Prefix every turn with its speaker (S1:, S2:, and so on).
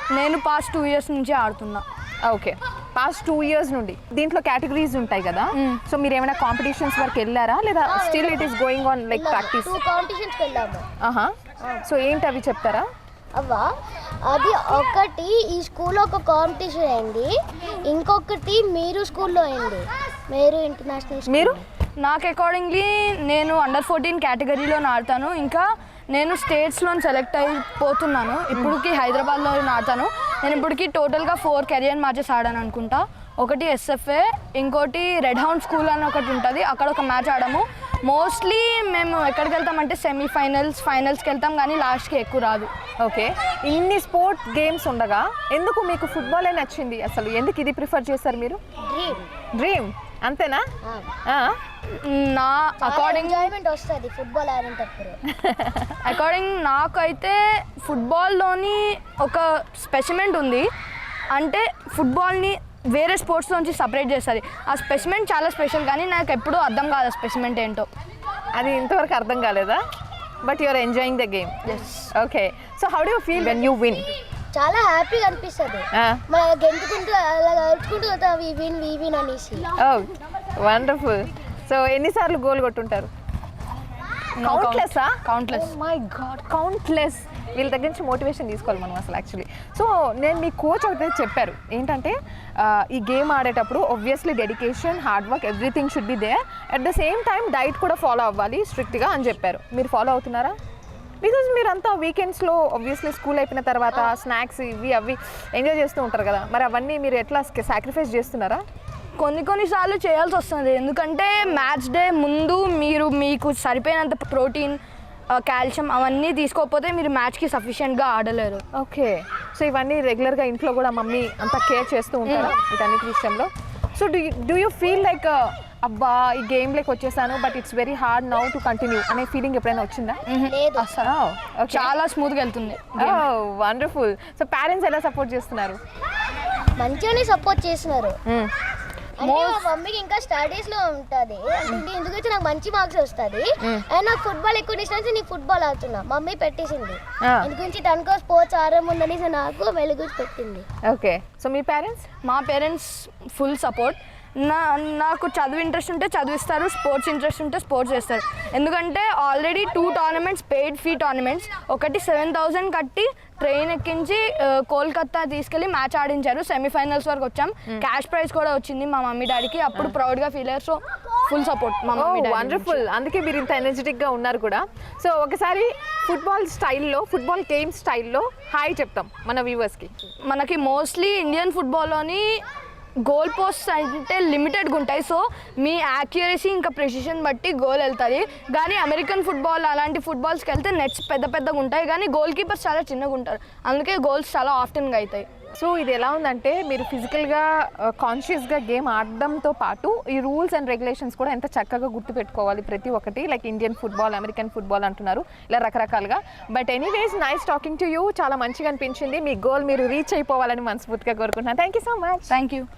S1: నేను past 2 years నుంచి ఆడుతున్నా.
S2: ఓకే, పాస్ట్ 2 years నుండి. దీంట్లో కేటగిరీస్ ఉంటాయి కదా, సో మీరు ఏమైనా కాంపిటీషన్స్ వరకు వెళ్ళారా లేదా still it is going on like practice?
S3: 2 కాంపిటీషన్స్కి వెళ్ళాము.
S2: సో ఏంటి అవి చెప్తారా?
S3: అవ్వా, అది ఒకటి ఈ స్కూల్లో ఒక కాంపిటీషన్ అయింది, ఇంకొకటి మీరు స్కూల్లో అయింది, మీరు ఇంటర్నేషనల్.
S2: మీరు?
S1: నాకు అకార్డింగ్లీ నేను అండర్-14 కేటగిరీలో ఆడతాను. ఇంకా నేను స్టేట్స్లో సెలెక్ట్ అయిపోతున్నాను. ఇప్పటికి హైదరాబాద్లో ఆడతాను. నేను ఇప్పటికి టోటల్గా 4 కెరియర్ మ్యాచెస్ ఆడాను అనుకుంటా. ఒకటి ఎస్ఎఫ్ఏ, ఇంకోటి రెడ్ హౌండ్ స్కూల్ అని ఒకటి ఉంటుంది, అక్కడ ఒక మ్యాచ్ ఆడాము. మోస్ట్లీ మేము ఎక్కడికి వెళ్తామంటే ఫైనల్స్కి వెళ్తాం, కానీ లాస్ట్కి ఎక్కువ రాదు.
S2: ఓకే, ఇన్ని స్పోర్ట్ గేమ్స్ ఉండగా ఎందుకు మీకు ఫుట్బాలే నచ్చింది? అసలు ఎందుకు ఇది ప్రిఫర్ చేస్తారు మీరు? డ్రీమ్ అంతేనా?
S1: నా అకార్డింగ్
S3: ఎంజాయ్మెంట్ వస్తుంది ఫుట్బాల్ ఆడేటప్పుడు.
S1: అకార్డింగ్ నాకైతే ఫుట్బాల్లోని ఒక స్పెసిమెంట్ ఉంది, అంటే ఫుట్బాల్ని వేరే స్పోర్ట్స్ నుంచి సపరేట్ చేస్తుంది. ఆ స్పెసిమెంట్ చాలా స్పెషల్, కానీ నాకు ఎప్పుడూ అర్థం కాదు స్పెసిమెంట్ ఏంటో.
S2: అది ఇంతవరకు అర్థం కాలేదా? But you are enjoying the game. Okay, so how do you feel when you win?
S3: చాలా హ్యాపీగా అనిపిస్తుంది. మన గెంతుకుంటూ అలా అరుచుకుంటూ పోతాం, వీ విన్ అనేసి.
S2: Oh wonderful. సో ఎన్నిసార్లు గోల్ కొట్టుంటారు? కౌంట్లెస్. My god, countless. వీళ్ళ దగ్గర నుంచి మోటివేషన్ తీసుకోవాలి మనం అసలు యాక్చువల్లీ. సో నేను మీ కోచ్ ఒకటి చెప్పారు ఏంటంటే, ఈ గేమ్ ఆడేటప్పుడు obviously dedication, hard work, everything should be there. At the same time diet కూడా ఫాలో అవ్వాలి స్ట్రిక్ట్గా అని చెప్పారు. మీరు ఫాలో అవుతున్నారా? బికాజ్ మీరంతా వీకెండ్స్లో ఆబ్వియస్లీ స్కూల్ అయిపోయిన తర్వాత స్నాక్స్ ఇవి అవి ఎంజాయ్ చేస్తూ ఉంటారు కదా, మరి అవన్నీ మీరు ఎట్లా సాక్రిఫైస్ చేస్తున్నారా?
S1: కొన్నిసార్లు చేయాల్సి వస్తుంది, ఎందుకంటే మ్యాచ్ డే ముందు మీకు సరిపోయినంత ప్రోటీన్, కాల్షియం అవన్నీ తీసుకోకపోతే మీరు మ్యాచ్కి సఫిషియెంట్గా ఆడలేరు.
S2: ఓకే, సో ఇవన్నీ రెగ్యులర్గా ఇంట్లో కూడా మమ్మీ అంతా కేర్ చేస్తూ ఉంటారా వీటన్నిటి విషయంలో? So do you feel like అబ్బా ఈ గేమ్లోకి వచ్చేసాను but it's very hard now to continue అనే ఫీలింగ్ ఎప్పుడైనా వచ్చిందా?
S1: అసలు చాలా స్మూత్గా వెళ్తుంది.
S2: వండర్ఫుల్. సో పేరెంట్స్ ఎలా సపోర్ట్ చేస్తున్నారు?
S3: మంచిగానే సపోర్ట్ చేస్తున్నారు. అంటే మా మమ్మీకి ఇంకా స్టడీస్ లో ఉంటుంది, అంటే ఎందుకంటే నాకు మంచి మార్క్స్ వస్తుంది, అండ్ నాకు ఫుట్బాల్ ఎక్కువ ఇష్టం, నేను ఫుట్బాల్ ఆడుతున్నా. మమ్మీ పెట్టేసింది ఎందుకంటే తనకో స్పోర్ట్స్ ఆడముందని నాకు వెలుగు పెట్టింది.
S2: ఓకే, సో మీ పేరెంట్స్?
S1: మా పేరెంట్స్ ఫుల్ సపోర్ట్. నాకు చదువు ఇంట్రెస్ట్ ఉంటే చదివిస్తారు, స్పోర్ట్స్ ఇంట్రెస్ట్ ఉంటే స్పోర్ట్స్ చేస్తారు. ఎందుకంటే already 2 tournaments paid fee tournaments, ఒకటి 7,000 కట్టి ట్రైన్ ఎక్కించి కోల్కతా తీసుకెళ్ళి మ్యాచ్ ఆడించారు. సెమీఫైనల్స్ వరకు వచ్చాం, క్యాష్ ప్రైజ్ కూడా వచ్చింది మా మమ్మీ డాడీకి. అప్పుడు ప్రౌడ్గా ఫీల్ అయ్యారు. సో ఫుల్ సపోర్ట్ మా మమ్మీ డాడీ.
S2: వండర్ఫుల్, అందుకే మీరు ఇంత ఎనర్జెటిక్గా ఉన్నారు కూడా. సో ఒకసారి ఫుట్బాల్ గేమ్ స్టైల్లో హాయ్ చెప్తాం మన వ్యూవర్స్కి.
S1: మనకి మోస్ట్లీ ఇండియన్ ఫుట్బాల్లోని గోల్ పోస్ట్ అంటే లిమిటెడ్గా ఉంటాయి, సో మీ యాక్యురసీ ఇంకా ప్రెసిషన్ బట్టి గోల్ వెళ్తుంది. కానీ అమెరికన్ ఫుట్బాల్ అలాంటి ఫుట్బాల్స్కి వెళ్తే నెట్స్ పెద్దగా ఉంటాయి, కానీ గోల్ కీపర్స్ చాలా చిన్నగా ఉంటారు, అందుకే గోల్స్ చాలా ఆఫ్టెన్గా అవుతాయి.
S2: సో ఇది ఎలా ఉందంటే మీరు ఫిజికల్గా కాన్షియస్గా గేమ్ ఆడడంతో పాటు ఈ రూల్స్ అండ్ రెగ్యులేషన్స్ కూడా ఎంత చక్కగా గుర్తుపెట్టుకోవాలి ప్రతి ఒక్కటి. Like Indian football, American football అంటున్నారు, ఇలా రకరకాలుగా. But anyways nice talking to you. చాలా మంచిగా అనిపించింది. మీ గోల్ మీరు రీచ్ అయిపోవాలని మనస్ఫూర్తిగా కోరుకుంటున్నాను. Thank you so much.
S1: Thank you.